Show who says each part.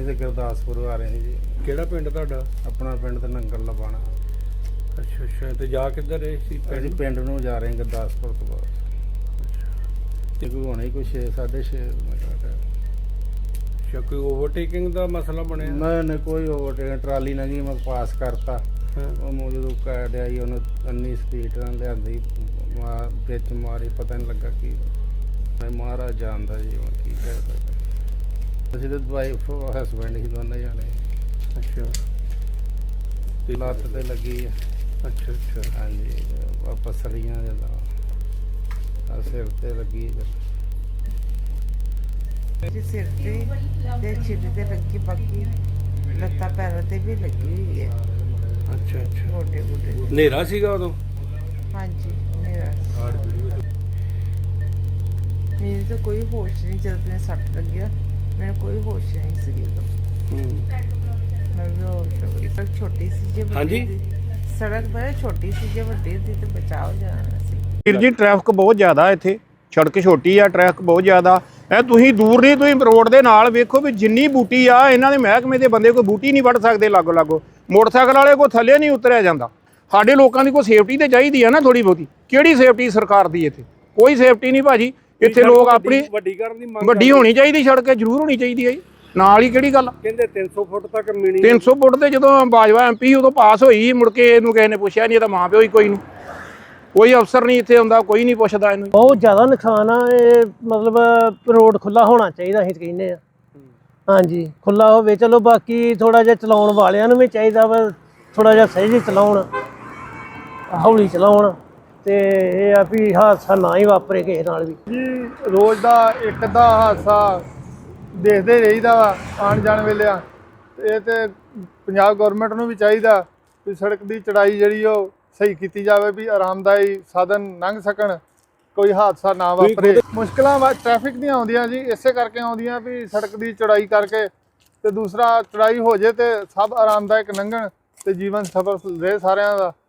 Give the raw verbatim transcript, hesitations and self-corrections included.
Speaker 1: से गुरदासपुर आ रहे हैं जी।
Speaker 2: ਕਿਹੜਾ ਪਿੰਡ ਤੁਹਾਡਾ?
Speaker 1: अपना पिंड तो नंगल लबाना।
Speaker 2: ਅੱਛਾ ਅੱਛਾ ਤੇ ਜਾ ਕਿੱਧਰ ਰਹੇ ਸੀ?
Speaker 1: ਅਸੀਂ ਪਿੰਡ ਨੂੰ ਜਾ ਰਹੇ ਹਾਂ ਗੁਰਦਾਸਪੁਰ ਤੋਂ ਬਾਅਦ। ਤੇ ਕੋਈ ਹੋਣਾ ਹੀ ਕੋਈ ਛੇ ਸਾਢੇ ਛੇ ਮਿੰਟ ਦਾ ਟਾਈਮ।
Speaker 2: ਅੱਛਾ ਕੋਈ ਓਵਰਟੇਕਿੰਗ ਦਾ ਮਸਲਾ ਬਣਿਆ?
Speaker 1: ਮੈਂ ਨੇ ਕੋਈ ਓਵਰਟੇਕ ਟਰਾਲੀ ਲੰਘੀ ਮੈਂ ਪਾਸ ਕਰਤਾ।
Speaker 2: ਹਾਂ।
Speaker 1: ਉਹ ਮੈਨੂੰ ਜਦੋਂ ਕਾੜਿਆ ਹੀ ਉਹਨੂੰ ਇੰਨੀ ਸਪੀਡ ਨਾਲ ਲਿਆਂਦੀ ਮਾਰ ਵਿੱਚ ਮਾਰੀ ਪਤਾ ਨਹੀਂ ਲੱਗਾ ਕੀ ਮੈਂ ਮਹਾਰਾਜ ਜਾਣਦਾ ਜੀ ਹੁਣ ਕੀ ਕਹਿ ਸਕਦਾ। ਅਸੀਂ ਤਾਂ ਵਾਈਫ ਹਸਬੈਂਡ ਹੀ ਦੋਨੇ ਜਾਣੇ।
Speaker 2: ਅੱਛਾ
Speaker 1: ਤੇ ਲੱਤ ਤੇ ਲੱਗੀ ਆ।
Speaker 2: ਅੱਛਾ ਅੱਛਾ
Speaker 1: ਹਾਂਜੀ ਵਾਪਸ ਸੜੀਆਂ ਜਦੋਂ ਆ ਸਿਰ ਤੇ ਲੱਗੀ
Speaker 3: ਜੀ ਸਿਰ ਤੇ ਤੇ ਛਿੱਲ ਤੇ ਲੱਗੀ, ਬਾਕੀ ਲੱਤਾਂ ਪੈਰਾਂ ਤੇ ਵੀ ਲੱਗੀ ਹੋਈ ਹੈ।
Speaker 2: ਅੱਛਾ ਅੱਛਾ
Speaker 3: ਗੋਡੇ ਗੋਡੇ
Speaker 2: ਹਨੇਰਾ ਸੀਗਾ ਉਦੋਂ?
Speaker 3: ਹਾਂਜੀ ਮੇਰਾ ਮੈਨੂੰ ਤਾਂ ਕੋਈ ਹੋਸ਼ ਨਹੀਂ, ਜਦ ਮੈਨੂੰ ਸੱਟ ਲੱਗਿਆ ਮੈਨੂੰ ਕੋਈ ਹੋਸ਼ ਨਹੀਂ ਸੀ ਉਦੋਂ।
Speaker 2: ਹੂੰ।
Speaker 3: ਮੈਂ ਵੀ ਹੋਸ਼ ਹੋ ਗਈ। ਸੜਕ ਛੋਟੀ ਸੀ ਜੇ ਵੱਡੀ
Speaker 2: ਹਾਂਜੀ?
Speaker 3: ਸੀ- ਸੜਕ ਬੜੀ ਛੋਟੀ ਸੀ, ਜੇ ਵੱਡੀ ਸੀ ਤਾਂ ਬਚਾਅ ਹੋ ਜਾਣਾ ਸੀ।
Speaker 4: ਵੀਰ ਜੀ ਟ੍ਰੈਫਿਕ ਬਹੁਤ ਜ਼ਿਆਦਾ ਇੱਥੇ, ਸੜਕ ਛੋਟੀ ਆ, ਟ੍ਰੈਫਿਕ ਬਹੁਤ ਜ਼ਿਆਦਾ ਐ। ਤੁਸੀਂ ਦੂਰ ਨਹੀਂ, ਤੁਸੀਂ ਰੋਡ ਦੇ ਨਾਲ ਵੇਖੋ ਵੀ ਜਿੰਨੀ ਬੂਟੀ ਆ ਇਹਨਾਂ ਦੇ ਮਹਿਕਮੇ ਦੇ ਬੰਦੇ ਕੋਈ ਬੂਟੀ ਨਹੀਂ ਵੱਢ ਸਕਦੇ ਲਾਗੋ ਲਾਗੋ। ਮੋਟਰਸਾਈਕਲ ਵਾਲੇ ਕੋਈ ਥੱਲੇ ਨਹੀਂ ਉਤਰਿਆ ਜਾਂਦਾ। ਸਾਡੇ ਲੋਕਾਂ ਦੀ ਕੋਈ ਸੇਫਟੀ ਤੇ ਚਾਹੀਦੀ ਆ ਨਾ ਥੋੜੀ ਬਹੁਤੀ। ਕਿਹੜੀ ਸੇਫਟੀ ਸਰਕਾਰ ਦੀ ਇੱਥੇ? ਕੋਈ ਸੇਫਟੀ ਨਹੀਂ ਭਾਜੀ ਇੱਥੇ। ਲੋਕ ਆਪਣੀ
Speaker 2: ਵੱਡੀ ਕਰਨ ਦੀ ਮੰਗ
Speaker 4: ਵੱਡੀ ਹੋਣੀ ਚਾਹੀਦੀ, ਸੜਕ ਜ਼ਰੂਰ ਹੋਣੀ ਚਾਹੀਦੀ ਹੈ ਜੀ। ਨਾਲ ਹੀ ਕਿਹੜੀ ਗੱਲ?
Speaker 2: ਕਹਿੰਦੇ ਤਿੰਨ ਸੌ ਫੁੱਟ ਤੱਕ ਮਿਣੀ।
Speaker 4: ਤਿੰਨ ਸੌ ਫੁੱਟ ਤੇ ਜਦੋਂ ਬਾਜਵਾ ਐਮ ਪੀ ਉਦੋਂ ਪਾਸ ਹੋਈ, ਮੁੜ ਕੇ ਇਹਨੂੰ ਕਿਸੇ ਨੇ ਪੁੱਛਿਆ ਨਹੀਂ, ਇਹਦਾ ਮਾਂ ਪਿਓ ਹੀ ਕੋਈ ਨੂੰ ਕੋਈ ਅਫਸਰ ਨਹੀਂ ਇੱਥੇ ਹੁੰਦਾ, ਕੋਈ ਨਹੀਂ ਪੁੱਛਦਾ ਇਹਨੂੰ।
Speaker 5: ਬਹੁਤ ਜ਼ਿਆਦਾ ਨੁਕਸਾਨ ਆ ਇਹ। ਮਤਲਬ ਰੋਡ ਖੁੱਲਾ ਹੋਣਾ ਚਾਹੀਦਾ, ਅਸੀਂ ਕਹਿੰਦੇ ਆ। ਹਾਂਜੀ ਖੁੱਲਾ ਹੋਵੇ ਚਲੋ, ਬਾਕੀ ਥੋੜਾ ਜਿਹਾ ਚਲਾਉਣ ਵਾਲਿਆਂ ਨੂੰ ਵੀ ਚਾਹੀਦਾ ਵਾ ਥੋੜਾ ਜਿਹਾ ਸਹੀ ਚਲਾਉਣ, ਹੌਲੀ ਚਲਾਉਣ, ਤੇ ਇਹ ਆ ਵੀ ਹਾਦਸਾ ਨਾ ਹੀ ਵਾਪਰੇ ਕਿਸੇ ਨਾਲ ਵੀ।
Speaker 6: ਜੀ ਰੋਜ਼ ਦਾ ਇੱਕ ਅੱਧਾ ਹਾਦਸਾ ਦੇਖਦੇ ਰਹੀਦਾ ਵਾ ਆਉਣ ਜਾਣ ਵੇਲੇ ਆ। ਇਹ ਤੇ ਪੰਜਾਬ ਗਵਰਨਮੈਂਟ ਨੂੰ ਵੀ ਚਾਹੀਦਾ ਵੀ ਸੜਕ ਦੀ ਚੜਾਈ ਜਿਹੜੀ ਉਹ ਸਹੀ ਕੀਤੀ ਜਾਵੇ, ਵੀ ਆਰਾਮਦਾਈ ਸਾਧਨ ਲੰਘ ਸਕਣ, ਕੋਈ ਹਾਦਸਾ ਨਾ ਵਾਪਰੇ। ਮੁਸ਼ਕਲਾਂ ਵਾ ਟ੍ਰੈਫਿਕ ਦੀਆਂ ਆਉਂਦੀਆਂ ਜੀ, ਇਸੇ ਕਰਕੇ ਆਉਂਦੀਆਂ ਵੀ ਸੜਕ ਦੀ ਚੜਾਈ ਕਰਕੇ, ਤੇ ਦੂਸਰਾ ਚੜਾਈ ਹੋ ਜੇ ਤੇ ਸਭ ਆਰਾਮਦਾਇਕ ਲੰਘਣ ਤੇ ਜੀਵਨ ਸਫਲ ਰਹੇ ਸਾਰਿਆਂ ਦਾ।